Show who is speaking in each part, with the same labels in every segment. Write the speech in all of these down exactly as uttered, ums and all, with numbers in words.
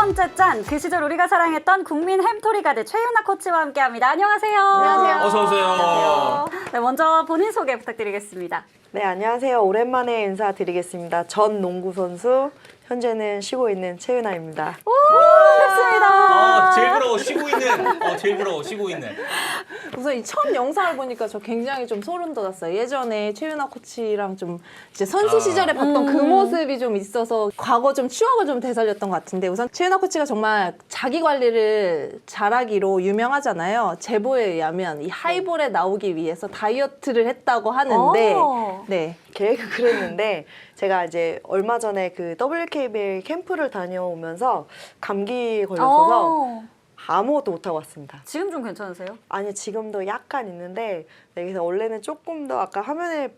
Speaker 1: 번째 짠! 그 시절 우리가 사랑했던 국민 햄토리 가드 최윤아 코치와 함께합니다. 안녕하세요.
Speaker 2: 안녕하세요.
Speaker 3: 어서 오세요.
Speaker 1: 안녕하세요. 네, 먼저 본인 소개 부탁드리겠습니다.
Speaker 2: 네, 안녕하세요. 오랜만에 인사드리겠습니다. 전 농구 선수, 현재는 쉬고 있는 최윤아입니다.
Speaker 1: 오, 반갑습니다.
Speaker 3: 아, 제일 부러워 쉬고 있는. 어, 제일 부러워 쉬고 있는.
Speaker 4: 우선 이 처음 영상을 보니까 저 굉장히 좀 소름 돋았어요. 예전에 최윤아 코치랑 좀 이제 선수
Speaker 3: 아.
Speaker 4: 시절에 봤던
Speaker 1: 음.
Speaker 4: 그 모습이 좀 있어서 과거 좀 추억을 좀 되살렸던 것 같은데, 우선 최윤아 코치가 정말 자기 관리를 잘하기로 유명하잖아요. 제보에 의하면 이 하이볼에 나오기 위해서 다이어트를 했다고 하는데,
Speaker 1: 오.
Speaker 4: 네.
Speaker 2: 계획을 그랬는데 제가 이제 얼마 전에 그 더블유케이비엘 캠프를 다녀오면서 감기에 걸렸어서
Speaker 1: 오.
Speaker 2: 아무것도 못하고 왔습니다.
Speaker 1: 지금 좀 괜찮으세요?
Speaker 2: 아니, 지금도 약간 있는데, 네, 그래서 원래는 조금 더 아까 화면에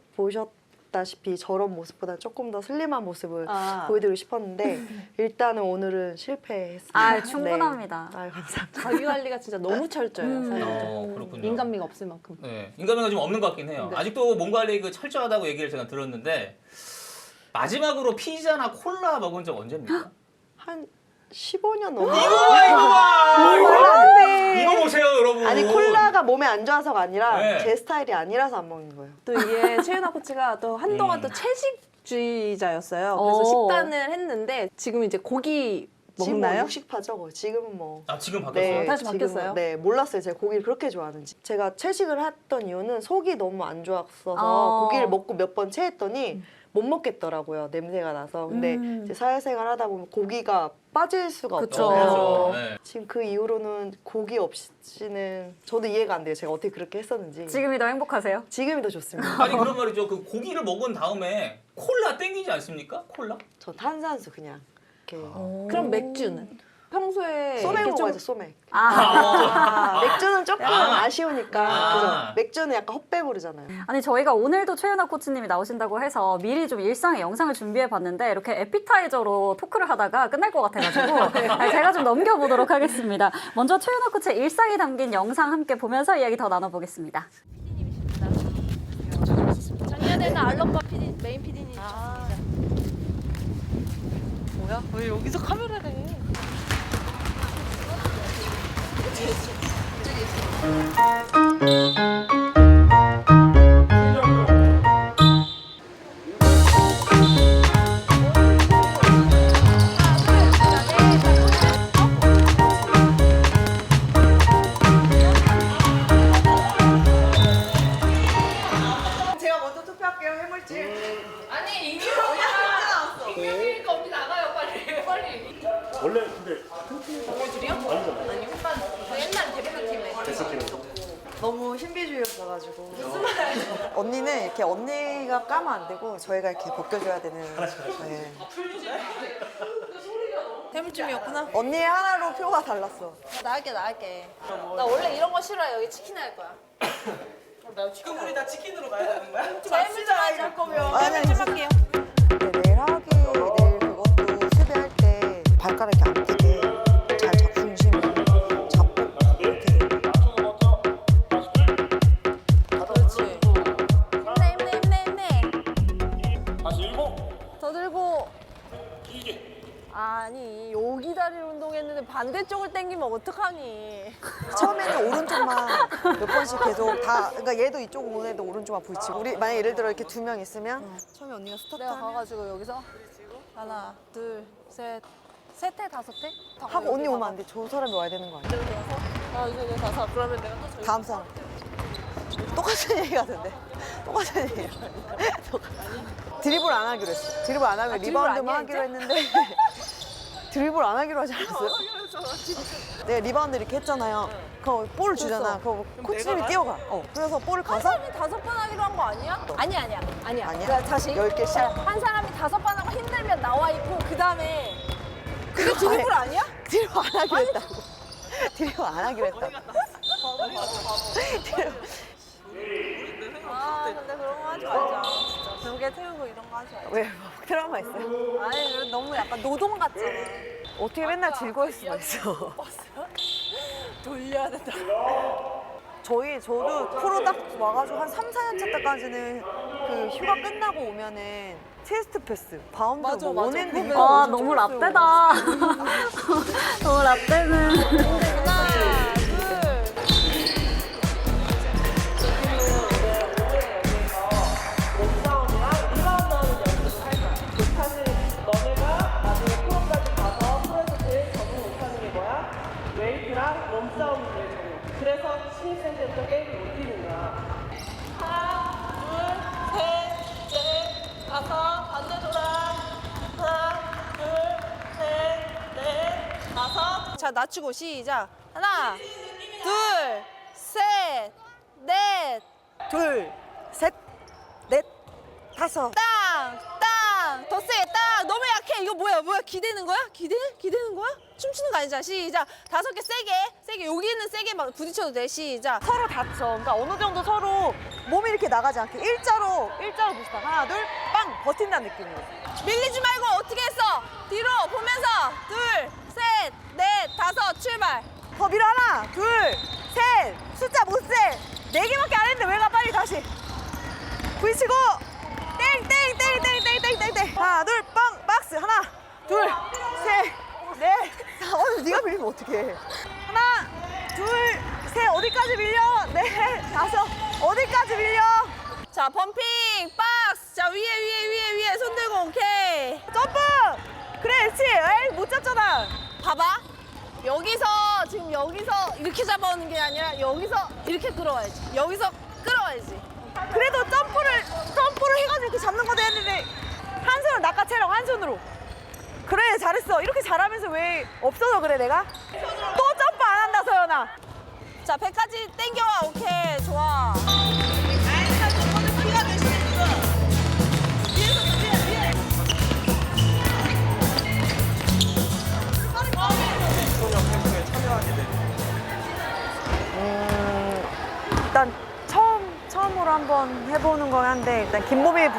Speaker 2: 보셨다시피 저런 모습보다 조금 더 슬림한 모습을
Speaker 4: 아.
Speaker 2: 보여드리고 싶었는데 일단은 오늘은 실패했습니다.
Speaker 1: 아, 충분합니다.
Speaker 2: 네. 아, 감사합니다.
Speaker 4: 자기 관리가 진짜 너무 철저해요.
Speaker 1: 음.
Speaker 4: 사실.
Speaker 3: 어, 그렇군요.
Speaker 4: 인간미가 없을 만큼.
Speaker 3: 네, 인간미가 좀 없는 것 같긴 해요.
Speaker 4: 네.
Speaker 3: 아직도 몸 관리 그 철저하다고 얘기를 제가 들었는데 마지막으로 피자나 콜라 먹은 적 언제입니까?
Speaker 2: 한 십오 년 넘어.
Speaker 3: 이거 봐, 이거 봐!
Speaker 2: 콜라인데.
Speaker 3: 이거 보세요, 여러분.
Speaker 2: 아니, 콜라가 몸에 안 좋아서가 아니라
Speaker 3: 네.
Speaker 2: 제 스타일이 아니라서 안 먹는 거예요.
Speaker 4: 또 이게 최윤아 코치가 또 한동안
Speaker 3: 음.
Speaker 4: 또 채식주의자였어요. 그래서
Speaker 1: 오.
Speaker 4: 식단을 했는데 지금 이제 고기
Speaker 2: 지금 뭐
Speaker 4: 먹나요?
Speaker 2: 육식파죠. 지금은 뭐.
Speaker 3: 아, 지금 바뀌었어요?
Speaker 2: 네,
Speaker 4: 다시
Speaker 2: 지금은-
Speaker 4: 바뀌었어요?
Speaker 2: 네, 몰랐어요. 제가 고기를 그렇게 좋아하는지. 제가 채식을 했던 이유는 속이 너무 안 좋았어서
Speaker 1: 어.
Speaker 2: 고기를 먹고 몇 번 체했더니 못 먹겠더라고요. 냄새가 나서. 근데
Speaker 1: 음.
Speaker 2: 이제 사회생활 하다 보면 고기가 빠질 수가
Speaker 1: 그쵸.
Speaker 2: 없잖아요.
Speaker 3: 그렇죠. 네.
Speaker 2: 지금 그 이후로는 고기 없이는 저도 이해가 안 돼요. 제가 어떻게 그렇게 했었는지.
Speaker 1: 지금이 더 행복하세요?
Speaker 2: 지금이 더 좋습니다.
Speaker 3: 아니 그런 말이죠. 그 고기를 먹은 다음에 콜라 땡기지 않습니까? 콜라?
Speaker 2: 전 탄산수 그냥 이렇게
Speaker 4: 그럼 맥주는? 평소에
Speaker 2: 소맥
Speaker 4: 이렇게 좀-
Speaker 2: 먹어야죠. 소맥.
Speaker 1: 아.
Speaker 2: 맥주는 조금
Speaker 3: 아.
Speaker 2: 아쉬우니까.
Speaker 3: 아.
Speaker 2: 그죠? 맥주는 약간 헛배부르잖아요.
Speaker 1: 아니 저희가 오늘도 최윤아 코치님이 나오신다고 해서 미리 좀 일상의 영상을 준비해 봤는데 이렇게 에피타이저로 토크를 하다가 끝날 것 같아가지고 아니, 제가 좀 넘겨보도록 하겠습니다. 먼저 최윤아 코치의 일상이 담긴 영상 함께 보면서 이야기 더 나눠보겠습니다.
Speaker 5: 작년에는 알럽바 피디, 메인 피디님이셨습니다.
Speaker 4: 아. 뭐야? 왜 여기서 카메라를 해?
Speaker 2: 제가 먼저 투표할게요. 해물찜.
Speaker 5: 아니 이미 언니가 익명이니까 언니 나가요 빨리 빨리.
Speaker 6: 원래 근데
Speaker 5: 둘이요? 아니 오빠 저 옛날 대표팀에.
Speaker 2: 너무 신비주의였어가지고. 언니는 이렇게 언니가 까면 안 되고 저희가 이렇게 벗겨줘야 되는. 네.
Speaker 4: 해물찜이었구나.
Speaker 2: 언니의 하나로 표가 달랐어.
Speaker 5: 나갈게 나갈게. 나 원래 이런 거 싫어해. 여기 치킨 할 거야.
Speaker 7: 그럼 우리 다 치킨으로 가야 되는 거야?
Speaker 5: 해물찜 하자 할 거면
Speaker 2: 아니,
Speaker 5: 해물찜 할게요.
Speaker 2: 근데 내일 하기 내일 그것도 수비할 때 발가락이 안 뛰게 잘 잡고 중심을 잡고 이렇게.
Speaker 5: 그렇지. 힘내 힘내 힘내 힘내.
Speaker 6: 다시 일곱
Speaker 5: 더 들고.
Speaker 6: 길게
Speaker 5: 아니 여기 다리를 운동했는데 반대쪽을 당기면 어떡하니?
Speaker 2: 처음에는 오른쪽만 몇 번씩 계속 다, 그러니까 얘도 이쪽 오는 애도 오른쪽만 부딪히고. 우리 만약 예를 들어 이렇게 두 명 있으면 처음에 언니가 스타트
Speaker 5: 내가
Speaker 2: 하면
Speaker 5: 가가지고 여기서 하나 둘셋 셋회 다섯 회
Speaker 2: 하고 언니 오면 안 돼. 저 사람이 와야 되는 거 아니야?
Speaker 5: 아 이제 이제 다섯. 그러면 내가 또 저기
Speaker 2: 다음 사람. 똑같은 얘기 같은데. 똑같은 얘기. 드리블 안 하기로 했어. 드리블 안 하면
Speaker 5: 아, 드리블
Speaker 2: 리바운드만
Speaker 5: 아니야,
Speaker 2: 하기로 했는데 드리블 안 하기로 하지 않았어요? 내가 리바운드 이렇게 했잖아요. 그럼 볼을 주잖아. 그럼 코치님이 뛰어가. 어. 그래서 볼을
Speaker 5: 한
Speaker 2: 가서
Speaker 5: 사람이 다섯 번 하기로 한 거 아니야? 아니 아니야 아니야.
Speaker 2: 아니야?
Speaker 5: 그러니까 다시
Speaker 2: 열 개씩?
Speaker 5: 한 사람이 다섯 번 하고 힘들면 나와 있고 그 다음에 그게
Speaker 2: 그거
Speaker 5: 드리블
Speaker 2: 안
Speaker 5: 아니야?
Speaker 2: 드리블 안 하기로 했다고. 드리블 안 하기로 했다고.
Speaker 5: 아 근데 그런 거 하지 말자. 진짜 벽에 태우고 이런 거 하지 말자.
Speaker 2: 왜? 뭐 트라우마 있어요?
Speaker 5: 아니 너무 약간 노동 같잖아.
Speaker 2: 어떻게 맨날 즐거울 수가 있어.
Speaker 5: 돌려야 된다.
Speaker 2: 저희 저도 프로 딱 와가지고 한 삼, 사 년차 때까지는 그 휴가 끝나고 오면은 체스트 패스, 바운드
Speaker 5: 맞아,
Speaker 2: 뭐
Speaker 5: 맞아.
Speaker 2: 원핸드
Speaker 5: 그거
Speaker 2: 이거
Speaker 1: 아
Speaker 2: 엄청
Speaker 1: 너무
Speaker 2: 줬어요.
Speaker 1: 라떼다. 나 때는.
Speaker 5: 하나, 둘.
Speaker 7: 웨이트랑 몸싸움이 제일 적용. 그래서 신입생 때부터 게임을 못 뛰는 거야. 하나, 둘, 셋, 넷, 다섯, 반대 돌아. 하나, 둘, 셋, 넷, 다섯.
Speaker 5: 자, 낮추고 시작. 하나, 둘, 셋, 넷.
Speaker 2: 둘, 셋, 넷, 다섯.
Speaker 5: 땅! 땅! 더 세게 땅! 너무 약해. 이거 뭐야? 뭐야? 기대는 거야? 기대? 기대는 거야? 춤추는 거 아니잖아. 시작. 다섯 개 세게. 세게. 여기는 세게 막 부딪혀도 돼. 시작.
Speaker 2: 서로 다쳐. 그러니까 어느 정도 서로 몸이 이렇게 나가지 않게 일자로, 일자로 부시다. 하나, 둘, 빵! 버틴다는 느낌으로.
Speaker 5: 밀리지 말고 어떻게 했어? 뒤로 보면서 둘, 셋, 넷, 다섯 출발.
Speaker 2: 더 밀어. 하나, 둘, 셋. 숫자 못 세. 네 개밖에 안 했는데 왜 가 빨리 다시. 부딪히고. 땡, 땡, 땡, 땡, 땡, 땡, 땡, 땡. 하나, 둘, 빵! 박스. 하나, 둘, 셋, 넷. 어, 네가 밀리면 어떡해. 하나, 둘, 셋. 어디까지 밀려? 넷, 다섯. 어디까지 밀려?
Speaker 5: 자, 펌핑 박스. 자, 위에 위에 위에 위에 손 들고 오케이.
Speaker 2: 점프! 그래, 그렇지. 에이, 못 잡잖아.
Speaker 5: 봐봐. 여기서 지금 여기서 이렇게 잡아오는 게 아니라 여기서 이렇게 끌어와야지. 여기서 끌어와야지.
Speaker 2: 그래도 점프를, 점프를 해가지고 이렇게 잡는 것도 했는데 한 손으로 낚아채라고, 한 손으로. 그래, 잘했어. 이렇게 잘하면서 왜 없어서 그래, 내가? 또 점프 안 한다, 서연아.
Speaker 5: 자, 배까지 당겨와. 오케이, 좋아.
Speaker 2: 음, 일단 처음, 처음으로 한번 해보는 건 한데, 일단 김보미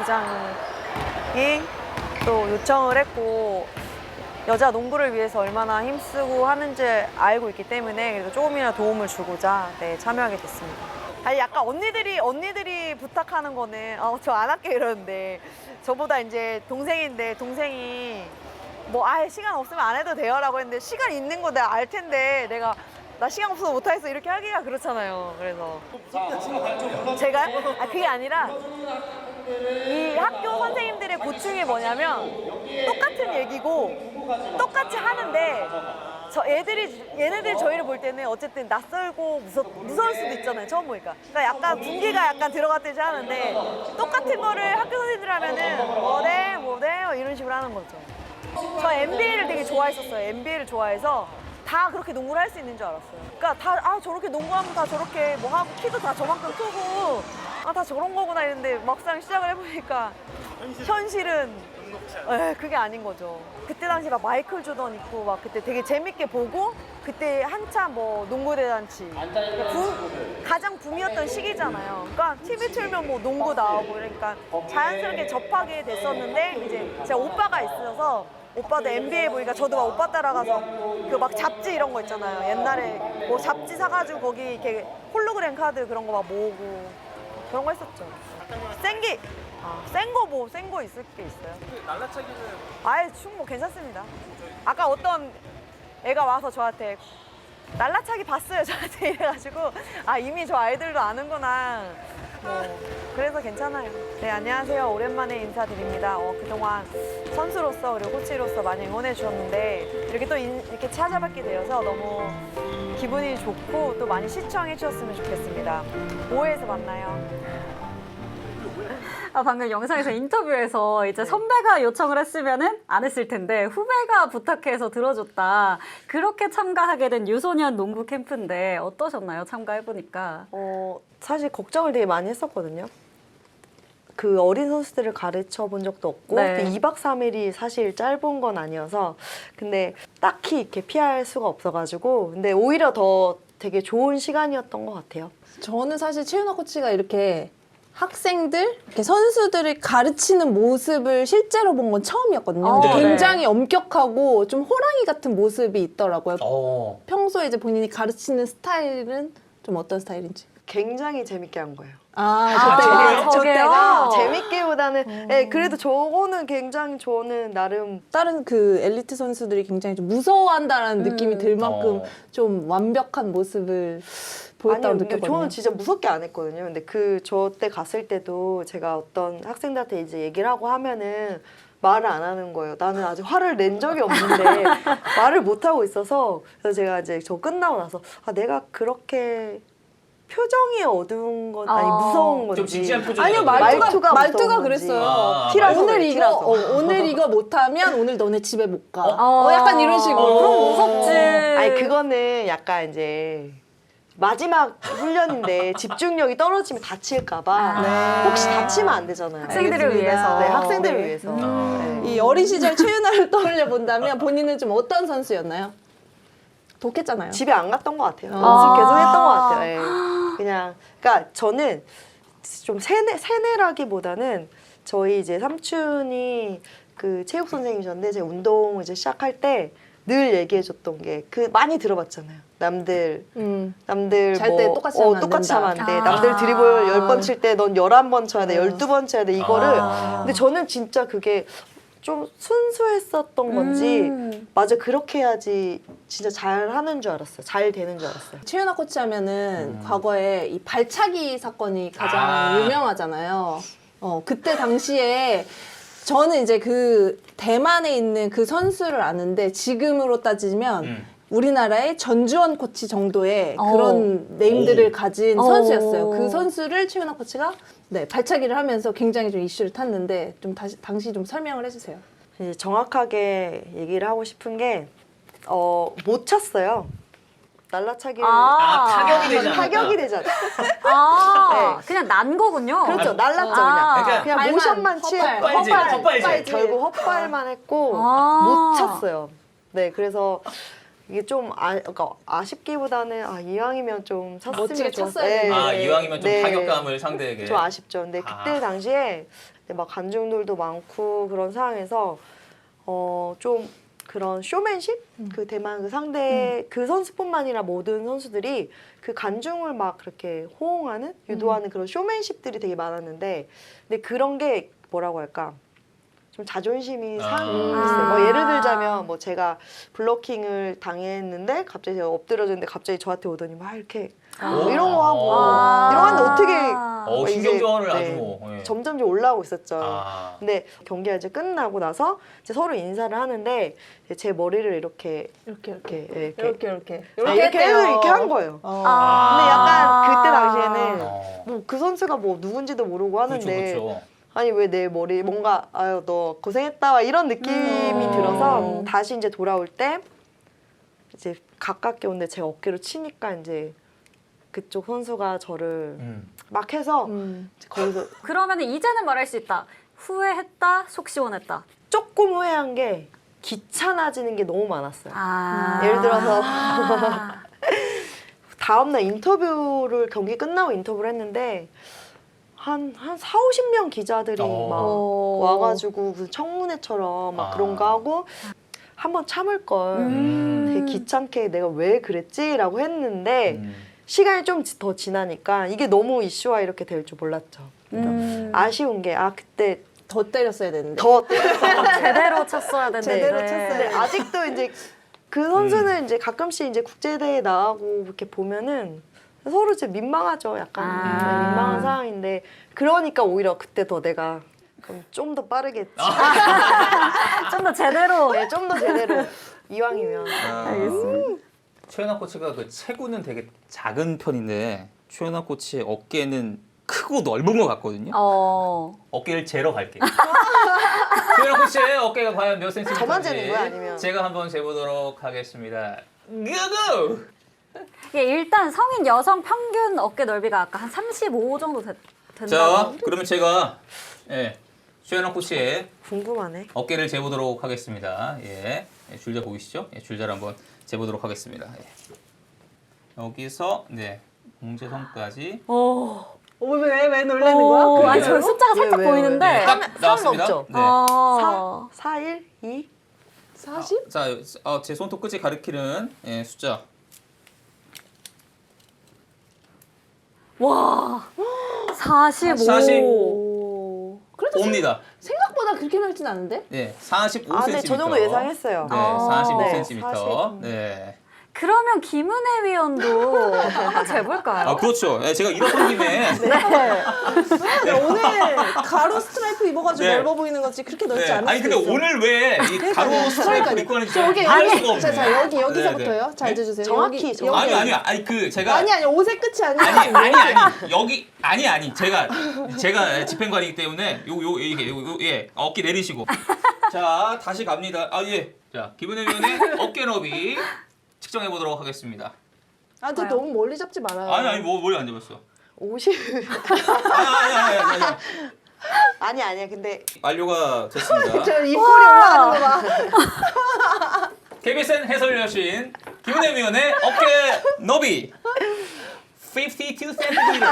Speaker 2: 부장이 또 요청을 했고, 여자 농구를 위해서 얼마나 힘쓰고 하는지 알고 있기 때문에 그래도 조금이나 도움을 주고자 네, 참여하게 됐습니다. 아니 약간 언니들이 언니들이 부탁하는 거는 어, 저 안 할게 이러는데 저보다 이제 동생인데 동생이 뭐 아예 시간 없으면 안 해도 돼요라고 했는데 시간 있는 거 내가 알 텐데 내가 나 시간 없어서 못 하겠어 이렇게 하기가 그렇잖아요. 그래서 제가 아 그게 아니라 이 학교 선생님들의 고충이 뭐냐면 똑같은 얘기고 똑같이 하는데 저 애들이 얘네들이 저희를 볼 때는 어쨌든 낯설고 무서, 무서울 수도 있잖아요 처음 보니까 그러니까 약간 분기가 약간 들어갔듯이 하는데 똑같은 거를 학교 선생님들 하면은 뭐래 뭐래 이런 식으로 하는 거죠. 저 엔비에이를 되게 좋아했었어요. 엔비에이를 좋아해서 다 그렇게 농구를 할 수 있는 줄 알았어요. 그러니까 다 아 저렇게 농구하면 다 저렇게 뭐 하고 키도 다 저만큼 크고 아 다 저런 거구나 이랬는데 막상 시작을 해보니까 현실은 에, 그게 아닌 거죠. 그때 당시 막 마이클 조던 있고 막 그때 되게 재밌게 보고 그때 한참 뭐 농구 대잔치 붐, 가장 붐이었던 시기잖아요. 그러니까 티비 틀면 뭐 농구 나오고 그러니까 자연스럽게 접하게 됐었는데 이제 제가 오빠가 있어서 오빠도 엔비에이 보니까 저도 막 오빠 따라가서 그 막 잡지 이런 거 있잖아요. 옛날에 뭐 잡지 사가지고 거기 이렇게 홀로그램 카드 그런 거 막 모으고 그런 거 했었죠. 생기 아, 센 거 뭐 센 거 있을 게 있어요. 날라차기는 아예 충뭐 괜찮습니다. 아까 어떤 애가 와서 저한테 날라차기 봤어요 저한테 이래가지고 아 이미 저 아이들도 아는구나. 뭐 그래서 괜찮아요. 네 안녕하세요. 오랜만에 인사드립니다. 어, 그동안 선수로서 그리고 코치로서 많이 응원해 주셨는데 이렇게 또 인, 이렇게 찾아뵙게 되어서 너무 기분이 좋고 또 많이 시청해 주셨으면 좋겠습니다. 오회에서 만나요.
Speaker 1: 아, 방금 영상에서 인터뷰에서 이제 선배가 요청을 했으면은 안 했을 텐데 후배가 부탁해서 들어줬다. 그렇게 참가하게 된 유소년 농구 캠프인데 어떠셨나요? 참가해보니까.
Speaker 8: 어, 사실 걱정을 되게 많이 했었거든요. 그 어린 선수들을 가르쳐 본 적도 없고
Speaker 1: 네.
Speaker 8: 이박 삼일이 사실 짧은 건 아니어서 근데 딱히 이렇게 피할 수가 없어가지고 근데 오히려 더 되게 좋은 시간이었던 것 같아요.
Speaker 4: 저는 사실 최윤아 코치가 이렇게 학생들, 이렇게 선수들을 가르치는 모습을 실제로 본 건 처음이었거든요.
Speaker 1: 어,
Speaker 4: 근데
Speaker 1: 네.
Speaker 4: 굉장히 엄격하고 좀 호랑이 같은 모습이 있더라고요.
Speaker 3: 어.
Speaker 4: 평소에 이제 본인이 가르치는 스타일은 좀 어떤 스타일인지.
Speaker 8: 굉장히 재밌게 한 거예요.
Speaker 4: 아,
Speaker 1: 아,
Speaker 4: 저때가.
Speaker 1: 저게요?
Speaker 4: 저때가.
Speaker 8: 재밌기보다는 예, 그래도 저거는 굉장히 저는 나름
Speaker 4: 다른 그 엘리트 선수들이 굉장히 좀 무서워한다라는
Speaker 1: 음.
Speaker 4: 느낌이 들 만큼
Speaker 3: 어.
Speaker 4: 좀 완벽한 모습을 보였다고
Speaker 8: 아니요, 근데
Speaker 4: 느꼈거든요.
Speaker 8: 저는 진짜 무섭게 안 했거든요. 근데 그 저 때 갔을 때도 제가 어떤 학생들한테 이제 얘기를 하고 하면은 말을 안 하는 거예요. 나는 아직 화를 낸 적이 없는데 말을 못 하고 있어서 그래서 제가 이제 저 끝나고 나서 아 내가 그렇게 표정이 어두운 건 아니
Speaker 1: 어.
Speaker 8: 무서운 건지
Speaker 3: 좀 진지한 표정.
Speaker 4: 아니요,
Speaker 8: 말투가
Speaker 4: 말투가, 말투가
Speaker 8: 무서운
Speaker 4: 그랬어요.
Speaker 8: 건지.
Speaker 3: 아,
Speaker 8: 티라서
Speaker 4: 오늘
Speaker 8: 그래,
Speaker 4: 이거
Speaker 8: 티라서.
Speaker 4: 어, 오늘 이거 못하면 오늘 너네 집에 못 가.
Speaker 1: 어.
Speaker 4: 어, 약간 이런 식으로.
Speaker 3: 어.
Speaker 1: 그럼 무섭지.
Speaker 8: 아니 그거는 약간 이제 마지막 훈련인데 집중력이 떨어지면 다칠까봐
Speaker 1: 아.
Speaker 8: 혹시 다치면 안 되잖아요.
Speaker 1: 학생들을
Speaker 4: 알겠습니다.
Speaker 1: 위해서.
Speaker 8: 네, 학생들을
Speaker 4: 네.
Speaker 8: 위해서.
Speaker 3: 음.
Speaker 8: 네.
Speaker 4: 이 어린 시절 최윤아를 떠올려 본다면 본인은 좀 어떤 선수였나요? 독했잖아요.
Speaker 8: 집에 안 갔던 것 같아요.
Speaker 4: 아.
Speaker 8: 연습 계속 했던 것 같아요. 예. 그냥 그러니까 저는 좀 세뇌 세뇌라기보다는 저희 이제 삼촌이 그 체육 선생님이셨는데 제가 운동 이제 시작할 때 늘 얘기해줬던 게 그 많이 들어봤잖아요. 남들
Speaker 4: 음.
Speaker 8: 남들
Speaker 4: 잘
Speaker 8: 뭐
Speaker 4: 때 똑같이
Speaker 8: 어,
Speaker 4: 하면 안
Speaker 8: 똑같이
Speaker 4: 된다.
Speaker 8: 하면 안 돼.
Speaker 1: 아.
Speaker 8: 남들 드리블 열 번 칠 때 넌 열한 번 쳐야 돼. 열두 번 쳐야 돼. 이거를
Speaker 3: 아.
Speaker 8: 근데 저는 진짜 그게 좀 순수했었던 건지
Speaker 1: 음.
Speaker 8: 맞아 그렇게 해야지 진짜 잘 하는 줄 알았어요. 잘 되는 줄 알았어요.
Speaker 4: 최윤아 코치 하면은
Speaker 3: 음.
Speaker 4: 과거에 이 발차기 사건이 가장
Speaker 3: 아.
Speaker 4: 유명하잖아요. 어, 그때 당시에 저는 이제 그 대만에 있는 그 선수를 아는데 지금으로 따지면
Speaker 3: 음.
Speaker 4: 우리나라의 전주원 코치 정도의
Speaker 1: 어.
Speaker 4: 그런 네임들을
Speaker 3: 오.
Speaker 4: 가진
Speaker 1: 어.
Speaker 4: 선수였어요. 그 선수를 최윤아 코치가 네, 발차기를 하면서 굉장히 좀 이슈를 탔는데 좀 다시 당시 좀 설명을 해주세요.
Speaker 8: 이제 정확하게 얘기를 하고 싶은 게 어, 못 쳤어요. 날라차기를
Speaker 3: 아, 타격이 되지 않았다.
Speaker 8: 타격이 되잖아.
Speaker 1: 아,
Speaker 8: 네.
Speaker 1: 그냥 난 거군요.
Speaker 8: 그렇죠. 날랐죠
Speaker 1: 아.
Speaker 8: 그냥.
Speaker 3: 그러니까
Speaker 8: 그냥
Speaker 4: 발만,
Speaker 8: 모션만 치
Speaker 4: 헛발.
Speaker 3: 헛발질, 헛발질.
Speaker 8: 결국 헛발만 했고
Speaker 1: 아.
Speaker 8: 못 쳤어요. 네, 그래서 이게 좀 아, 그러니까 아쉽기보다는 아, 이왕이면 좀 쳤으면
Speaker 4: 멋지게
Speaker 8: 좋았어요.
Speaker 4: 쳤어야 되는데.
Speaker 3: 아, 이왕이면 좀
Speaker 8: 네.
Speaker 3: 타격감을 상대에게.
Speaker 8: 좀 아쉽죠. 근데 그때
Speaker 3: 아.
Speaker 8: 당시에 막 관중들도 많고 그런 상황에서 어, 좀 그런 쇼맨십? 그 대만 그 상대 그 선수뿐만 아니라 모든 선수들이 그 관중을 막 그렇게 호응하는 유도하는 그런 쇼맨십들이 되게 많았는데 근데 그런 게 뭐라고 할까? 좀 자존심이
Speaker 3: 아.
Speaker 8: 상했어요. 뭐 예를 들자면 뭐 제가 블로킹을 당했는데 갑자기 제가 엎드려졌는데 갑자기 저한테 오더니 막 이렇게 뭐 이런 거 하고
Speaker 3: 아.
Speaker 8: 이런 거 하는데 어떻게
Speaker 1: 아.
Speaker 3: 어,
Speaker 8: 뭐 이제,
Speaker 3: 신경전을 아주
Speaker 8: 네,
Speaker 3: 뭐. 예.
Speaker 8: 점점 좀 올라오고 있었죠.
Speaker 3: 아.
Speaker 8: 근데 경기가 이제 끝나고 나서 이제 서로 인사를 하는데 이제 제 머리를 이렇게
Speaker 4: 이렇게 이렇게
Speaker 8: 이렇게 이렇게
Speaker 4: 이렇게 이렇게
Speaker 8: 아, 이렇게
Speaker 4: 했대요.
Speaker 8: 해서 이렇게 한 거예요.
Speaker 4: 어.
Speaker 1: 아.
Speaker 8: 근데 약간 그때 당시에는
Speaker 3: 어.
Speaker 8: 뭐 그 선수가 뭐 누군지도 모르고 하는데
Speaker 3: 그렇죠, 그렇죠.
Speaker 8: 아니 왜 내 머리 뭔가 아유 너 고생했다 이런 느낌이
Speaker 4: 음.
Speaker 8: 들어서 다시 이제 돌아올 때 이제 가깝게 오는데 제가 어깨로 치니까 이제 그쪽 선수가 저를
Speaker 3: 음.
Speaker 8: 막 해서
Speaker 4: 음.
Speaker 8: 거기서
Speaker 1: 그러면 이제는 말할 수 있다. 후회했다, 속 시원했다.
Speaker 8: 조금 후회한 게 귀찮아지는 게 너무 많았어요.
Speaker 1: 아.
Speaker 8: 예를 들어서
Speaker 1: 아.
Speaker 8: 다음날 인터뷰를 경기 끝나고 인터뷰를 했는데 한, 한 사오십 명 기자들이
Speaker 3: 어.
Speaker 8: 막
Speaker 4: 어.
Speaker 8: 와가지고 무슨 청문회처럼 막
Speaker 3: 아.
Speaker 8: 그런 거 하고 한번 참을 걸
Speaker 3: 음.
Speaker 8: 되게 귀찮게 내가 왜 그랬지라고 했는데
Speaker 3: 음.
Speaker 8: 시간이 좀 더 지나니까 이게 너무 이슈화 이렇게 될 줄 몰랐죠.
Speaker 1: 음.
Speaker 8: 아쉬운 게 아 그때
Speaker 4: 더 때렸어야 되는데.
Speaker 8: 더
Speaker 1: 제대로 쳤어야 되는데.
Speaker 8: 제대로 쳤는데 아직도 이제 그 선수는 이제 가끔씩 이제 국제대회 나가고 이렇게 보면은 서로 이제 민망하죠. 약간
Speaker 1: 아.
Speaker 8: 네, 민망한 상황인데 그러니까 오히려 그때 더 내가 그럼 좀 더 빠르게 했지.
Speaker 1: 좀 더 제대로.
Speaker 8: 네, 좀 더 제대로 이왕이면.
Speaker 1: 알겠습니다.
Speaker 3: 최연아 코치가 그 체구는 되게 작은 편인데 최연아 코치의 어깨는 크고 넓은 것 같거든요.
Speaker 1: 어.
Speaker 3: 어깨를 재러 갈게요. 최연아 코치의 어깨가 과연 몇 센티미터인지
Speaker 8: 저만 재는 거야, 아니면?
Speaker 3: 제가 한번 재보도록 하겠습니다. 고고!
Speaker 1: 예, 일단 성인 여성 평균 어깨 넓이가 아까 한 삼십오 정도 됐, 된다고.
Speaker 3: 자, 그러면 제가 예, 최연아 코치의
Speaker 8: 궁금하네.
Speaker 3: 어깨를 재보도록 하겠습니다. 예, 예, 줄자 보이시죠? 예, 줄자를 한번 재보도록 하겠습니다. 예. 여기서 네 공제선까지
Speaker 1: 오.
Speaker 4: 왜, 왜 놀라는
Speaker 1: 오,
Speaker 4: 거야?
Speaker 1: 아니, 저 숫자가
Speaker 8: 왜,
Speaker 1: 살짝
Speaker 8: 왜, 왜?
Speaker 1: 보이는데.
Speaker 3: 네, 딱 나왔습니다.
Speaker 8: 넘죠?
Speaker 3: 네.
Speaker 1: 어.
Speaker 8: 사, 일, 이.
Speaker 4: 사십?
Speaker 3: 자, 어, 제 손톱 끝이 가리키는 예, 숫자.
Speaker 1: 와, 사십오.
Speaker 3: 사십.
Speaker 4: 오. 그래도 생-
Speaker 3: 옵니다.
Speaker 4: 생각보다 그렇게 넓진 않은데?
Speaker 3: 네, 사십오
Speaker 8: 아,
Speaker 3: 센티미터.
Speaker 8: 네, 저 정도 예상했어요.
Speaker 3: 네,
Speaker 1: 아.
Speaker 3: 사십오
Speaker 8: 네,
Speaker 3: 센티미터.
Speaker 8: 사십.
Speaker 3: 네.
Speaker 1: 그러면 김은혜 위원도 한번 재볼까요?
Speaker 3: 아, 그렇죠. 네, 제가 일어선 김에
Speaker 4: 네, 오늘 가로 스트라이프 입어가지고
Speaker 3: 네.
Speaker 4: 넓어 보이는 거지 그렇게 넓지
Speaker 3: 네.
Speaker 4: 않을
Speaker 3: 아니
Speaker 4: 수도
Speaker 3: 근데
Speaker 4: 있어.
Speaker 3: 오늘 왜 이 가로 스트라이프 입고 하는지
Speaker 4: 여기
Speaker 3: 이해할
Speaker 4: 여기
Speaker 3: 수가 없네.
Speaker 4: 자, 자 여기
Speaker 3: 네,
Speaker 4: 여기서부터요.
Speaker 3: 네.
Speaker 4: 잘
Speaker 3: 네?
Speaker 4: 들어주세요.
Speaker 8: 정확히,
Speaker 4: 여기,
Speaker 8: 정확히.
Speaker 4: 여기.
Speaker 3: 아니 아니 아니 그 제가
Speaker 4: 아니 아니 옷의 끝이 아니야.
Speaker 3: 아니 아니 아니 여기 아니 아니 제가 제가 집행관이기 때문에 요 요 이게 요, 요, 예 어깨 내리시고 자 다시 갑니다. 아 예. 자 김은혜 위원의 어깨 너비 측정해 보도록 하겠습니다.
Speaker 4: 아, 근데 너무 멀리 잡지 말아요.
Speaker 3: 아니 아니 뭐 머리 안 잡았어.
Speaker 8: 오십.
Speaker 3: 아니 아니 아니 아니. 아니.
Speaker 8: 아니, 아니야. 근데
Speaker 3: 완료가 됐습니다.
Speaker 4: 저 입꼬리 올라가는 거 봐.
Speaker 3: 케이비에스엔 해설 여신 김은혜 위원의 어깨 너비 오십이 센티미터.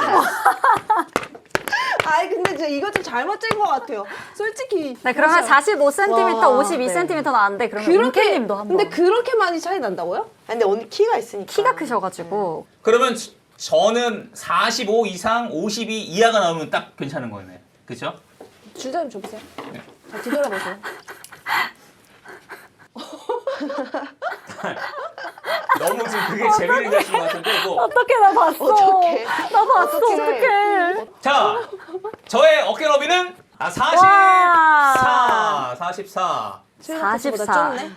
Speaker 4: 아이 근데 저 이거 좀 잘못 잰 것 같아요. 솔직히.
Speaker 1: 네, 그러면 사십오 센티미터,
Speaker 4: 와,
Speaker 1: 오십이 센티미터 나왔는데 그러면
Speaker 4: 그렇게
Speaker 1: 은케님도 한번.
Speaker 4: 근데 그렇게 많이 차이 난다고요?
Speaker 8: 근데 언니 키가 있으니까.
Speaker 1: 키가 크셔가지고.
Speaker 3: 그러면 저- 저는 사십오 이상 오십이 이하가 나오면 딱 괜찮은 거네. 그렇죠?
Speaker 4: 줄자 좀 줘보세요. 자, 뒤돌아보세요.
Speaker 3: 너무 지금 그게 재미를 가신 것 같은데 뭐.
Speaker 1: 어떻게 나 봤어?
Speaker 8: 어떡해.
Speaker 1: 나 봤어. 어떡해.
Speaker 3: 자, 저의 어깨 너비는 아
Speaker 1: 와.
Speaker 3: 사십사, 사십사,
Speaker 4: 사십사.
Speaker 1: 사십사.
Speaker 4: 좁네.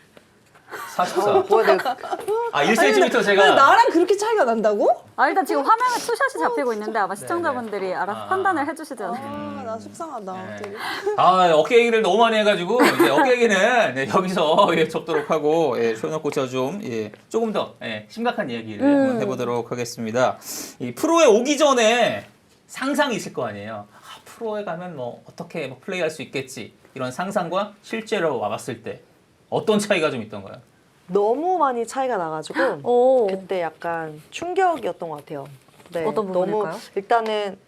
Speaker 3: 사십사.
Speaker 8: 뭐야, 내가
Speaker 3: 아 일 센티미터
Speaker 4: 근데
Speaker 3: 제가
Speaker 4: 나랑 그렇게 차이가 난다고?
Speaker 1: 아, 일단 지금 화면에 투샷이 잡히고 있는데 아마 시청자분들이 알아서
Speaker 3: 아.
Speaker 1: 판단을 해주시지 않을까.
Speaker 4: 아, 나 속상하다.
Speaker 3: 네.
Speaker 4: 되게.
Speaker 3: 아 어깨 얘기를 너무 많이 해가지고 이제 어깨 얘기는 네, 여기서 예, 접도록 하고 예, 최연아 코치와 좀 예, 조금 더 예, 심각한 얘기를
Speaker 1: 음.
Speaker 3: 한번 해보도록 하겠습니다. 이 프로에 오기 전에 상상이 있을 거 아니에요. 아, 프로에 가면 뭐 어떻게 뭐 플레이할 수 있겠지 이런 상상과 실제로 와봤을 때 어떤 차이가 좀 있던가요?
Speaker 8: 너무 많이 차이가 나가지고
Speaker 1: 오.
Speaker 8: 그때 약간 충격이었던 것 같아요. 네,
Speaker 1: 어떤 부분일까요?
Speaker 8: 너무 일단은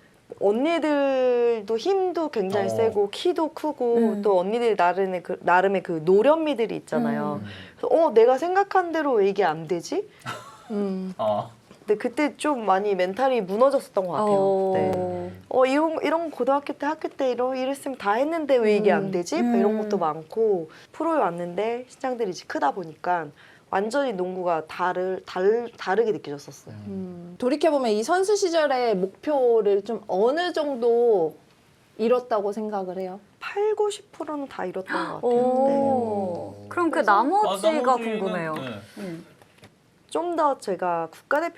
Speaker 8: 언니들도 힘도 굉장히
Speaker 3: 어.
Speaker 8: 세고 키도 크고
Speaker 1: 음.
Speaker 8: 또 언니들 나름의 그, 나름의 그 노련미들이 있잖아요.
Speaker 1: 음.
Speaker 8: 그래서 어 내가 생각한 대로 왜 이게 안 되지?
Speaker 4: 음.
Speaker 3: 어.
Speaker 8: 근데 그때 좀 많이 멘탈이 무너졌었던 것 같아요.
Speaker 1: 어.
Speaker 8: 네. 어 이런 이런 고등학교 때 학교 때 이런 이랬으면 다 했는데 왜 이게 안 되지? 뭐 이런
Speaker 1: 음.
Speaker 8: 것도 많고 프로에 왔는데 신장들이 이제 크다 보니까 완전히 농구가 다르 다르 다르게 느껴졌었어요.
Speaker 4: 음. 돌이켜보면 이 선수 시절의 목표를 좀 어느 정도 이뤘다고 생각을 해요?
Speaker 8: 팔, 구십 퍼센트는 다 이뤘던 것 같아요. 네.
Speaker 1: 오. 그럼 그
Speaker 3: 아,
Speaker 1: 나머지가
Speaker 3: 나머지는,
Speaker 1: 궁금해요.
Speaker 3: 네.
Speaker 1: 음.
Speaker 8: 좀 더 제가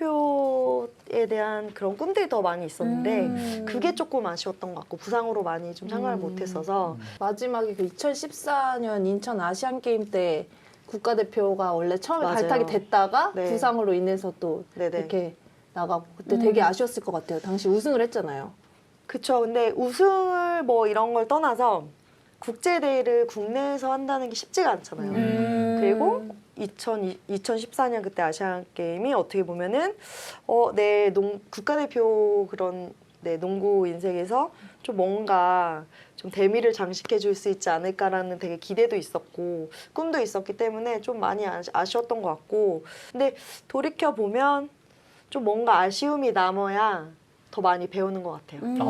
Speaker 8: 국가대표에 대한 그런 꿈들이 더 많이 있었는데
Speaker 1: 음.
Speaker 8: 그게 조금 아쉬웠던 것 같고 부상으로 많이 좀 참가를
Speaker 4: 음.
Speaker 8: 못했어서
Speaker 4: 마지막에 그 이천십사 년 인천 아시안 게임 때 국가대표가 원래 처음에
Speaker 8: 맞아요.
Speaker 4: 발탁이 됐다가
Speaker 8: 네.
Speaker 4: 부상으로 인해서 또
Speaker 8: 네네.
Speaker 4: 이렇게 나가고 그때
Speaker 1: 음.
Speaker 4: 되게 아쉬웠을 것 같아요. 당시 우승을 했잖아요.
Speaker 8: 그쵸. 근데 우승을 뭐 이런 걸 떠나서 국제대회를 국내에서 한다는 게 쉽지가 않잖아요.
Speaker 1: 음.
Speaker 8: 그리고 이천, 이천십사 년 그때 아시안 게임이 어떻게 보면은 어, 내 농, 국가대표 그런 내 농구 인생에서 좀 뭔가 좀 대미를 장식해 줄 수 있지 않을까라는 되게 기대도 있었고 꿈도 있었기 때문에 좀 많이 아쉬- 아쉬웠던 것 같고 근데 돌이켜 보면 좀 뭔가 아쉬움이 남아야 더 많이 배우는 것 같아요.
Speaker 1: 음.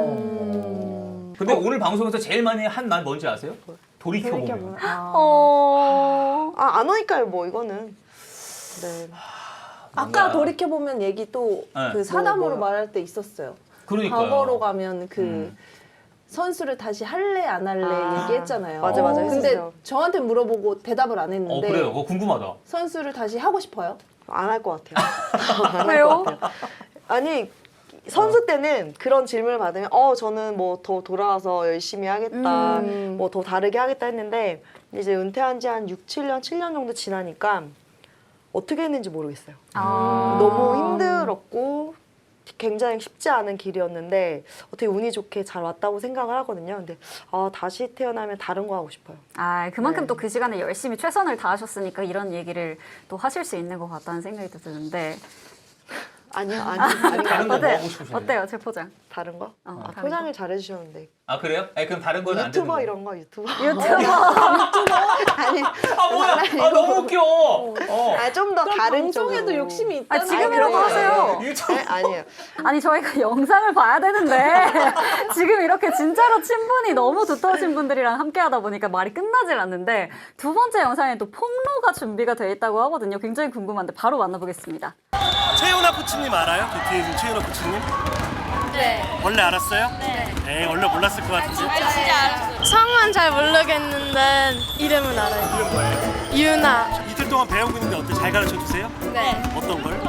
Speaker 3: 아. 근데 오늘 방송에서 제일 많이 한 말 뭔지 아세요? 돌이켜보면.
Speaker 4: 돌이켜보면 아.
Speaker 1: 어.
Speaker 8: 아, 안 오니까요, 뭐 이거는. 네.
Speaker 4: 아까
Speaker 3: 뭔가-
Speaker 4: 돌이켜보면 얘기 또 그
Speaker 3: 네.
Speaker 4: 사담으로
Speaker 8: 뭐, 뭐요?
Speaker 4: 말할 때 있었어요.
Speaker 3: 그러니까요.
Speaker 4: 과거로 가면 그
Speaker 3: 음.
Speaker 4: 선수를 다시 할래 안 할래
Speaker 8: 아,
Speaker 4: 얘기했잖아요.
Speaker 8: 맞아, 맞아,
Speaker 4: 근데
Speaker 8: 했었어요.
Speaker 4: 저한테 물어보고 대답을 안
Speaker 3: 어
Speaker 4: 했는데
Speaker 3: 그래요. 그거 궁금하다.
Speaker 4: 선수를 다시 하고 싶어요?
Speaker 8: 안 할 것 같아요. 안 할
Speaker 1: 왜요?
Speaker 8: 것 같아요. 아니, 선수 때는 그런 질문을 받으면, 어, 저는 뭐 더 돌아와서 열심히 하겠다,
Speaker 4: 음.
Speaker 8: 뭐 더 다르게 하겠다 했는데, 이제 은퇴한 지 한 육, 칠 년, 칠 년 정도 지나니까 어떻게 했는지 모르겠어요.
Speaker 1: 아.
Speaker 8: 너무 힘들었고, 굉장히 쉽지 않은 길이었는데, 어떻게 운이 좋게 잘 왔다고 생각을 하거든요. 근데, 아, 다시 태어나면 다른 거 하고 싶어요.
Speaker 1: 아, 그만큼
Speaker 8: 네.
Speaker 1: 또 그 시간에 열심히 최선을 다하셨으니까 이런 얘기를 또 하실 수 있는 것 같다는 생각이 또 드는데.
Speaker 8: 아니요, 아니, 아니,
Speaker 3: 다른 거 뭐
Speaker 1: 어때요?
Speaker 3: 하고 싶으신가요?
Speaker 1: 어때요, 제 포장?
Speaker 8: 다른 거?
Speaker 1: 어,
Speaker 8: 아,
Speaker 1: 다른
Speaker 8: 포장을 잘해주셨는데.
Speaker 3: 아 그래요? 아니 그럼 다른 거는 안 되는
Speaker 8: 유튜버
Speaker 3: 거예요?
Speaker 8: 이런 거, 유튜버.
Speaker 1: 유튜버.
Speaker 8: 아니,
Speaker 3: 아 뭐야? 아 너무 웃겨. 어.
Speaker 8: 아, 좀 더 다른 쪽으로.
Speaker 4: 방송에도 욕심이
Speaker 1: 아,
Speaker 4: 있다는
Speaker 1: 지금이라도
Speaker 8: 그래요.
Speaker 1: 하세요.
Speaker 3: 유튜브.
Speaker 8: 네, 아니에요.
Speaker 1: 아니 저희가 영상을 봐야 되는데 지금 이렇게 진짜로 친분이 너무 두터우신 분들이랑 함께하다 보니까 말이 끝나질 않는데 두 번째 영상에 또 폭로가 준비가 돼 있다고 하거든요. 굉장히 궁금한데 바로 만나보겠습니다.
Speaker 6: 최윤아 코치님 알아요? 그 뒤에 있는 최윤아 코치님?
Speaker 9: 네.
Speaker 6: 원래 알았어요? 네. 에이, 원래 몰랐을 것 같은데.
Speaker 9: 성은 잘 모르겠는데 이름은 알아요.
Speaker 6: 이름 뭐예요?
Speaker 9: 유나.
Speaker 6: 이틀 동안 배우고 있는데 어때? 잘 가르쳐 주세요?
Speaker 9: 네.
Speaker 6: 어떤 걸?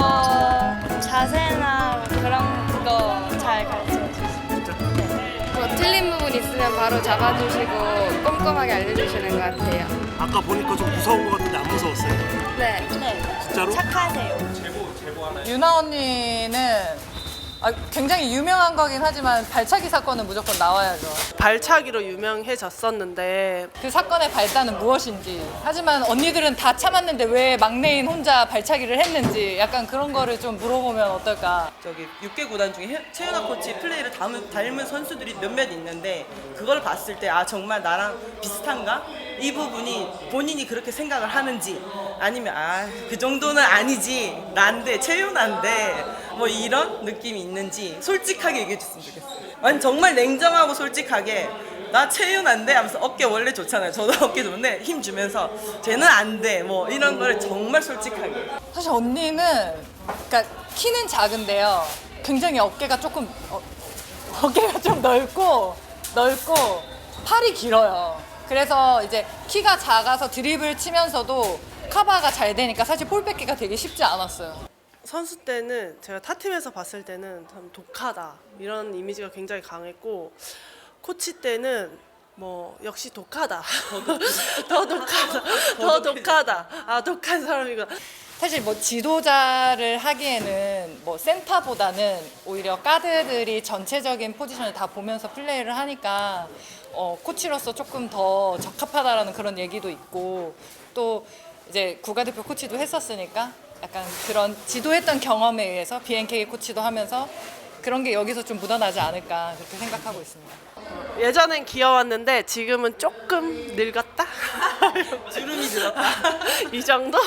Speaker 9: 어 자세나 그런 거 잘 가르쳐 주세요.
Speaker 6: 진짜?
Speaker 9: 뭐 틀린 부분 있으면 바로 잡아주시고 꼼꼼하게 알려주시는 것 같아요.
Speaker 6: 아까 보니까 좀 무서운 것 같은데 안 무서웠어요?
Speaker 9: 네. 네.
Speaker 6: 진짜로?
Speaker 9: 착하세요.
Speaker 10: 유나 언니는 아, 굉장히 유명한 거긴 하지만 발차기 사건은 무조건 나와야죠.
Speaker 7: 발차기로 유명해졌었는데
Speaker 10: 그 사건의 발단은 무엇인지. 하지만 언니들은 다 참았는데 왜 막내인 혼자 발차기를 했는지 약간 그런 거를 좀 물어보면 어떨까.
Speaker 11: 저기 육 개 구단 중에 해- 최윤아 코치 플레이를 닮은, 닮은 선수들이 몇몇 있는데 그걸 봤을 때 아 정말 나랑 비슷한가? 이 부분이 본인이 그렇게 생각을 하는지 아니면 아 그 정도는 아니지 난데 최윤아인데 뭐 이런 느낌이 있는지 솔직하게 얘기해 줬으면 좋겠어요. 아니 정말 냉정하고 솔직하게 나 채윤한데 하면서 어깨 원래 좋잖아요. 저도 어깨 좋은데 힘 주면서 쟤는 안 돼 뭐 이런 걸 정말 솔직하게.
Speaker 10: 사실 언니는 그러니까 키는 작은데요. 굉장히 어깨가 조금 어, 어깨가 좀 넓고 넓고 팔이 길어요. 그래서 이제 키가 작아서 드리블 치면서도 커버가 잘 되니까 사실 볼 뺏기가 되게 쉽지 않았어요.
Speaker 7: 선수 때는 제가 타팀에서 봤을 때는 참 독하다 이런 이미지가 굉장히 강했고 코치 때는 뭐 역시 독하다 더 독하다 더 독하다 아 독한 사람이구나.
Speaker 10: 사실 뭐 지도자를 하기에는 뭐 센터보다는 오히려 가드들이 전체적인 포지션을 다 보면서 플레이를 하니까 어, 코치로서 조금 더 적합하다라는 그런 얘기도 있고 또 이제 국가대표 코치도 했었으니까 약간 그런 지도했던 경험에 의해서 비엔케이 코치도 하면서 그런 게 여기서 좀 묻어나지 않을까 그렇게 생각하고 있습니다.
Speaker 7: 예전엔 귀여웠는데 지금은 조금 늙었다
Speaker 11: 주름이 들었다.
Speaker 7: 이 정도?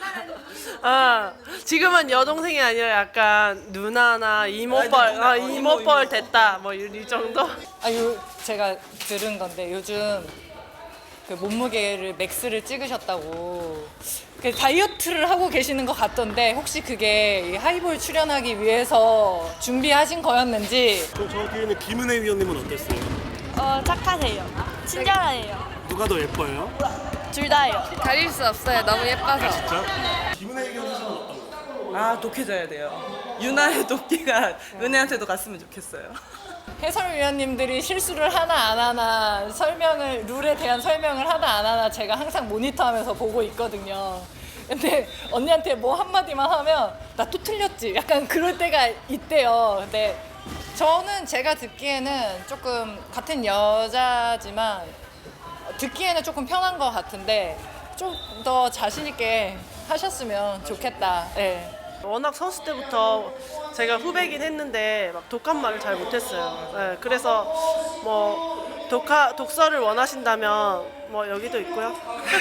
Speaker 7: 아 지금은 여동생이 아니라 약간 누나나 이모뻘
Speaker 11: 누나,
Speaker 7: 아,
Speaker 11: 어,
Speaker 7: 이모뻘
Speaker 11: 이모,
Speaker 7: 됐다 뭐 이 정도?
Speaker 10: 아, 요, 제가 들은 건데 요즘 그 몸무게를 맥스를 찍으셨다고 그 다이어트를 하고 계시는 것 같던데 혹시 그게 이 하이볼 출연하기 위해서 준비하신 거였는지.
Speaker 6: 그럼 저 뒤에 있는 김은혜 위원님은 어땠어요?
Speaker 9: 어 착하세요. 친절하세요.
Speaker 6: 누가 더 예뻐요?
Speaker 9: 둘 다요. 가릴 수 없어요. 너무 예뻐서.
Speaker 6: 진짜? 김은혜 위원 사진은 어떤 거예요?
Speaker 11: 아 독해져야 돼요. 유나의 도끼가 은혜한테도 갔으면 좋겠어요.
Speaker 10: 해설위원님들이 실수를 하나 안 하나 설명을 룰에 대한 설명을 하나 안 하나 제가 항상 모니터하면서 보고 있거든요. 근데 언니한테 뭐 한마디만 하면 나 또 틀렸지 약간 그럴 때가 있대요. 근데 저는 제가 듣기에는 조금 같은 여자지만 듣기에는 조금 편한 것 같은데 좀 더 자신 있게 하셨으면 좋겠다. 네.
Speaker 7: 워낙 선수 때부터 제가 후배긴 했는데 막 독한 말을 잘 못했어요. 네, 그래서 뭐 독하, 독서를 원하신다면 뭐 여기도 있고요.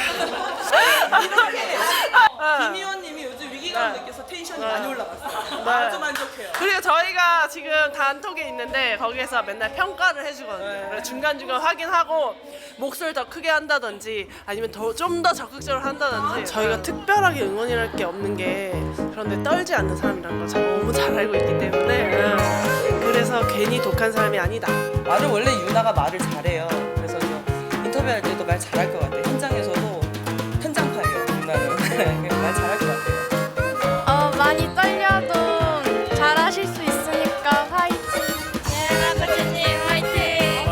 Speaker 11: 김 의원님이 요즘 위기감 느껴서 텐션이 많이 올라갔어요.
Speaker 7: 네.
Speaker 11: 아주 만족해요.
Speaker 7: 그리고 저희가 지금 단톡에 있는데 거기에서 맨날 평가를 해주거든요. 그래서 중간중간 확인하고 목소리를 더 크게 한다든지 아니면 좀 더 적극적으로 한다든지 저희가 특별하게 응원이랄 게 없는 게 그런데 떨지 않는 사람이라는 걸 너무 잘 알고 있기 때문에 음, 그래서 괜히 독한 사람이 아니다.
Speaker 11: 말을 원래 유나가 말을 잘해요. 그래서 저 인터뷰할 때도 말 잘할 것 같아요. 현장에서도 현장파예요. 유나는 말 잘할 것 같아요.
Speaker 9: 어 많이 떨려도 잘하실 수 있으니까 화이팅. 예나 코치님 화이팅.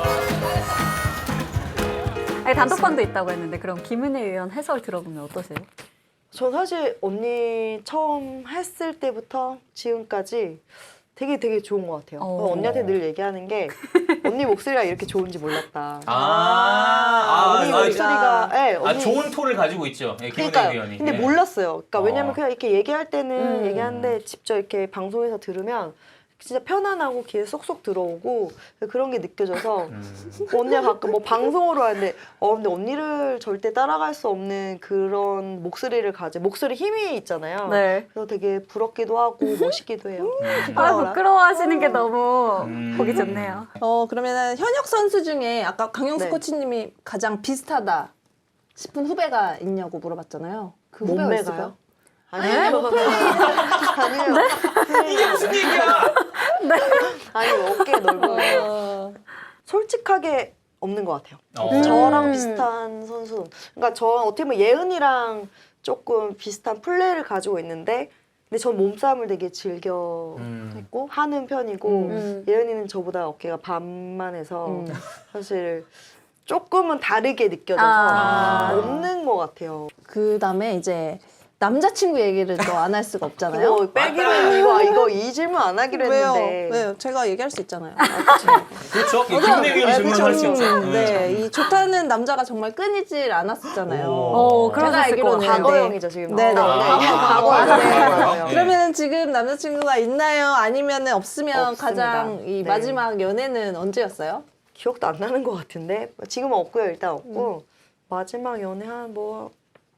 Speaker 1: 아니, 단톡방도 있다고 했는데 그럼 김은혜 위원 해설 들어보면 어떠세요?
Speaker 8: 전 사실 언니 처음 했을 때부터 지금까지 되게 되게 좋은 것 같아요.
Speaker 1: 어.
Speaker 8: 그래서 언니한테 늘 얘기하는 게 언니 목소리가 이렇게 좋은지 몰랐다.
Speaker 3: 아, 아,
Speaker 8: 언니
Speaker 3: 아,
Speaker 8: 목소리가 네,
Speaker 3: 아,
Speaker 8: 언니
Speaker 3: 좋은 톤을 가지고 있죠. 예, 김은혜
Speaker 8: 그러니까요.
Speaker 3: 위원이.
Speaker 8: 근데
Speaker 3: 예.
Speaker 8: 몰랐어요. 그러니까
Speaker 3: 어.
Speaker 8: 왜냐면 그냥 이렇게 얘기할 때는
Speaker 1: 음.
Speaker 8: 얘기하는데 직접 이렇게 방송에서 들으면 진짜 편안하고 귀에 쏙쏙 들어오고 그런 게 느껴져서
Speaker 3: 음.
Speaker 8: 언니가 가끔 뭐 방송으로 하는데 어 근데 언니를 절대 따라갈 수 없는 그런 목소리를 가지 목소리 힘이 있잖아요.
Speaker 1: 네.
Speaker 8: 그래서 되게 부럽기도 하고 멋있기도 해요.
Speaker 1: 아, 부끄러워하시는 게 너무
Speaker 3: 음.
Speaker 1: 보기 좋네요.
Speaker 4: 어 그러면은 현역 선수 중에 아까 강영수
Speaker 8: 네.
Speaker 4: 코치님이 가장 비슷하다 싶은 후배가 있냐고 물어봤잖아요. 그 후배가 있을까요?
Speaker 8: 몸매가요? 아니요. 아니요.
Speaker 3: 이게 무슨 얘기야?
Speaker 8: 아니 어깨 넓어요.
Speaker 4: 어,
Speaker 8: 솔직하게 없는 것 같아요.
Speaker 3: 어.
Speaker 8: 저랑 비슷한 선수. 그러니까 저 어떻게 보면 예은이랑 조금 비슷한 플레이를 가지고 있는데, 근데 전 몸싸움을 되게 즐겨
Speaker 3: 음.
Speaker 8: 했고 하는 편이고
Speaker 1: 음.
Speaker 8: 예은이는 저보다 어깨가 반만해서
Speaker 4: 음.
Speaker 8: 사실 조금은 다르게 느껴져서
Speaker 1: 아.
Speaker 8: 없는 것 같아요.
Speaker 4: 그 다음에 이제 남자친구 얘기를 또 안 할 수가 없잖아요.
Speaker 8: 그거 빼기는 이거 이거 이 질문 안 하기로
Speaker 4: 왜요?
Speaker 8: 했는데.
Speaker 4: 왜요? 제가 얘기할 수 있잖아요.
Speaker 3: 그렇죠. 김은혜 위원이 질문할 수 있죠.
Speaker 4: 음, 네, 이 좋다는 남자가 정말 끊이질 않았었잖아요.
Speaker 1: 어,
Speaker 4: 제가
Speaker 1: 그러셨을 것
Speaker 4: 알기로는
Speaker 1: 같아요.
Speaker 8: 과거형이죠 지금.
Speaker 4: 네, 네.
Speaker 8: 아,
Speaker 4: 과거,
Speaker 8: 과거.
Speaker 4: 과거.
Speaker 8: 네, 과거형.
Speaker 4: 그러면 지금 남자친구가 있나요? 아니면 없으면
Speaker 8: 없습니다.
Speaker 4: 가장 이
Speaker 8: 네.
Speaker 4: 마지막 연애는 언제였어요?
Speaker 8: 기억도 안 나는 것 같은데 지금은 없고요. 일단 없고 마지막 연애 한 뭐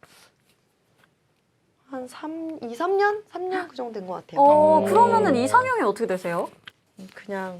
Speaker 8: 한 삼, 이, 삼 년? 삼 년 그 정도 된 것 같아요.
Speaker 1: 어, 그러면은 이상형이 어떻게 되세요?
Speaker 8: 그냥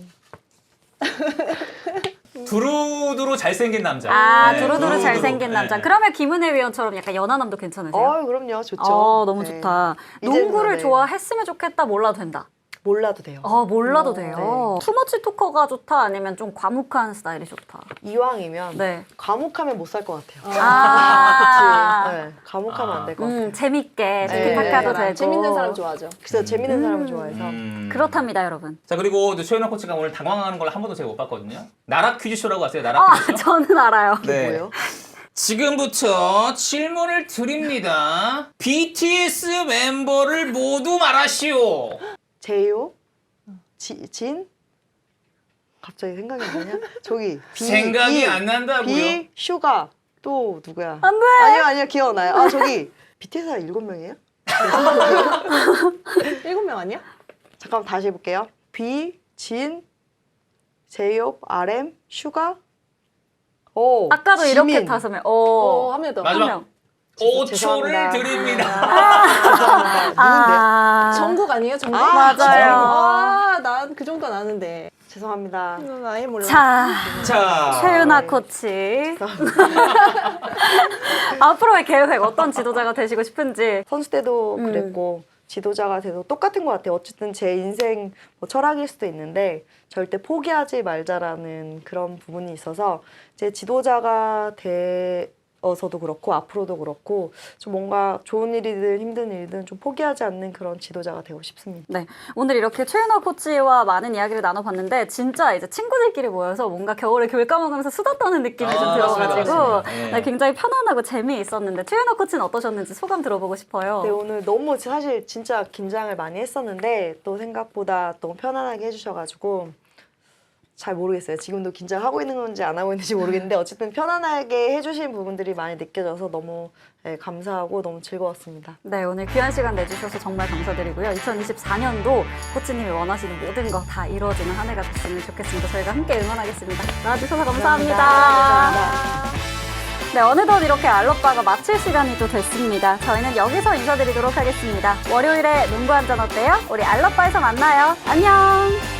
Speaker 3: 두루두루 잘생긴 남자.
Speaker 1: 아,
Speaker 3: 네,
Speaker 1: 두루두루 잘생긴
Speaker 3: 네.
Speaker 1: 남자. 그러면 김은혜 위원처럼 약간 연하남도 괜찮으세요?
Speaker 8: 어 그럼요. 좋죠.
Speaker 1: 어, 너무
Speaker 8: 네.
Speaker 1: 좋다.
Speaker 8: 이제는
Speaker 1: 농구를
Speaker 8: 네.
Speaker 1: 좋아했으면 좋겠다, 몰라도 된다.
Speaker 8: 몰라도 돼요.
Speaker 1: 어, 몰라도
Speaker 8: 어,
Speaker 1: 돼요. 투머치 토커가 좋다, 아니면 좀 과묵한 스타일이 좋다.
Speaker 8: 이왕이면
Speaker 1: 네.
Speaker 8: 과묵하면 못 살 것 같아요.
Speaker 1: 아,
Speaker 8: 네, 과묵하면 안 될 것 같아요.
Speaker 1: 음, 재밌게,
Speaker 8: 네.
Speaker 1: 티키타카도
Speaker 8: 네.
Speaker 1: 되고.
Speaker 4: 재밌는 사람 좋아하죠.
Speaker 8: 그래서 재밌는
Speaker 1: 음.
Speaker 8: 사람을 좋아해서
Speaker 3: 음.
Speaker 1: 그렇답니다, 여러분.
Speaker 3: 자, 그리고 또 최연아 코치가 오늘 당황하는 걸 한 번도 제가 못 봤거든요. 나락 퀴즈쇼라고 아세요? 나락
Speaker 1: 아,
Speaker 3: 퀴즈쇼?
Speaker 1: 저는 알아요.
Speaker 3: 네.
Speaker 8: 뭐예요?
Speaker 3: 지금부터 질문을 드립니다. 비티에스 멤버를 모두 말하시오.
Speaker 8: 제이오? 지, 진? 갑자기 생각이 안 나냐? 저기 비,
Speaker 3: 생각이
Speaker 8: 이,
Speaker 3: 안 난다고요?
Speaker 8: 비, 슈가 또 누구야?
Speaker 1: 안 돼!
Speaker 8: 아니요 아니요 기억나요. 아 저기 비티에스가 일곱 명이에요?
Speaker 4: 일곱 명 아니야?
Speaker 8: 잠깐만 다시 해볼게요. 비, 진, 제이홉, 알엠, 슈가. 오.
Speaker 1: 아까도 이렇게
Speaker 8: 지민.
Speaker 1: 다섯 명.
Speaker 4: 어,
Speaker 1: 어,
Speaker 4: 한 명 더.
Speaker 3: 마지막.
Speaker 1: 명.
Speaker 3: 오
Speaker 8: 죄송합니다.
Speaker 3: 초를 드립니다.
Speaker 8: 죄송합니다. 누군데?
Speaker 1: 아,
Speaker 4: 전국 아니에요? 전국?
Speaker 8: 아,
Speaker 1: 맞아요.
Speaker 4: 아, 난 그 정도는 아는데.
Speaker 8: 죄송합니다.
Speaker 4: 난 아예 몰라.
Speaker 1: 자,
Speaker 3: 자,
Speaker 1: 최윤아 코치. 앞으로의 계획, 어떤 지도자가 되시고 싶은지.
Speaker 8: 선수 때도
Speaker 1: 음.
Speaker 8: 그랬고 지도자가 돼도 똑같은 것 같아요. 어쨌든 제 인생 뭐 철학일 수도 있는데 절대 포기하지 말자라는 그런 부분이 있어서 제 지도자가 되어서도 그렇고 앞으로도 그렇고 좀 뭔가 좋은 일이든 힘든 일이든 좀 포기하지 않는 그런 지도자가 되고 싶습니다.
Speaker 1: 네, 오늘 이렇게 최윤아 코치와 많은 이야기를 나눠봤는데 진짜 이제 친구들끼리 모여서 뭔가 겨울에 귤 까먹으면서 수다 떠는 느낌이
Speaker 3: 아,
Speaker 1: 좀
Speaker 3: 맞습니다,
Speaker 1: 들어가지고
Speaker 3: 맞습니다. 네.
Speaker 1: 네, 굉장히 편안하고 재미있었는데 최윤아 코치는 어떠셨는지 소감 들어보고 싶어요.
Speaker 8: 네, 오늘 너무 사실 진짜 긴장을 많이 했었는데 또 생각보다 너무 편안하게 해주셔가지고 잘 모르겠어요. 지금도 긴장하고 있는 건지 안 하고 있는지 모르겠는데 어쨌든 편안하게 해주신 부분들이 많이 느껴져서 너무 네, 감사하고 너무 즐거웠습니다.
Speaker 1: 네, 오늘 귀한 시간 내주셔서 정말 감사드리고요. 이천이십사 년도 코치님이 원하시는 모든 거 다 이루어지는 한 해가 됐으면 좋겠습니다. 저희가 함께 응원하겠습니다. 나와주셔서 감사합니다.
Speaker 8: 감사합니다.
Speaker 1: 네, 어느덧 이렇게 알로빠가 마칠 시간이 또 됐습니다. 저희는 여기서 인사드리도록 하겠습니다. 월요일에 농구 한잔 어때요? 우리 알로빠에서 만나요. 안녕!